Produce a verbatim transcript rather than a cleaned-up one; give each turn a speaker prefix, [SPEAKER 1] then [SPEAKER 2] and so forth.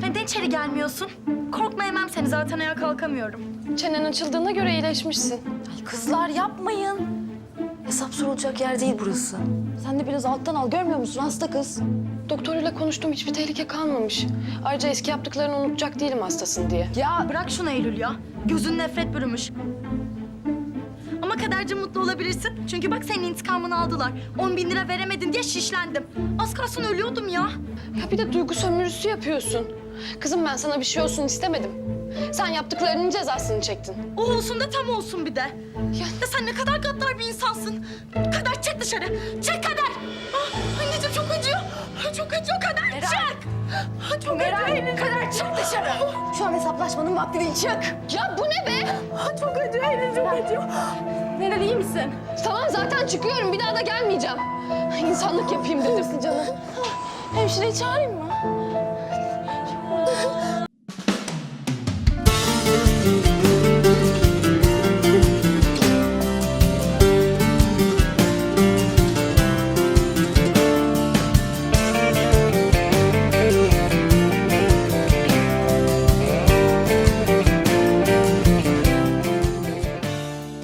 [SPEAKER 1] Neden içeri gelmiyorsun? Korkma, yemem seni, zaten ayağa kalkamıyorum.
[SPEAKER 2] Çenen açıldığına göre iyileşmişsin.
[SPEAKER 3] Ay kızlar yapmayın. Hesap sorulacak yer değil burası. Sen de biraz alttan al, görmüyor musun hasta kız?
[SPEAKER 2] Doktoruyla konuştum, hiçbir tehlike kalmamış. Ayrıca eski yaptıklarını unutacak değilim hastasın diye.
[SPEAKER 1] Ya bırak şunu Eylül ya. Gözün nefret bürümüş. Ama kadercim mutlu olabilirsin. Çünkü bak senin intikamını aldılar. On bin lira veremedin diye şişlendim. Az kalsın ölüyordum ya.
[SPEAKER 2] Ya bir de duygu sömürüsü yapıyorsun. Kızım ben sana bir şey olsun istemedim. Sen yaptıklarının cezasını çektin.
[SPEAKER 1] O olsun da tam olsun bir de.
[SPEAKER 2] Ya
[SPEAKER 1] Ya sen ne kadar gaddar bir insansın. Kader çık dışarı. Çık Kader. Ah, anneciğim çok acıyor. Ah, Çok acıyor Kader. Çık. Ah, Çok acıyor. Kader çık dışarı.
[SPEAKER 3] Şu an hesaplaşmanın vakti değil, çık.
[SPEAKER 2] ya bu ne be?
[SPEAKER 1] Ah, Çok acıyor. Elim çok acıyor.
[SPEAKER 3] Meral iyi misin?
[SPEAKER 2] Tamam zaten çıkıyorum, bir daha da gelmeyeceğim. İnsanlık yapayım dedim.
[SPEAKER 3] Canım. Hemşireyi çağırayım mı?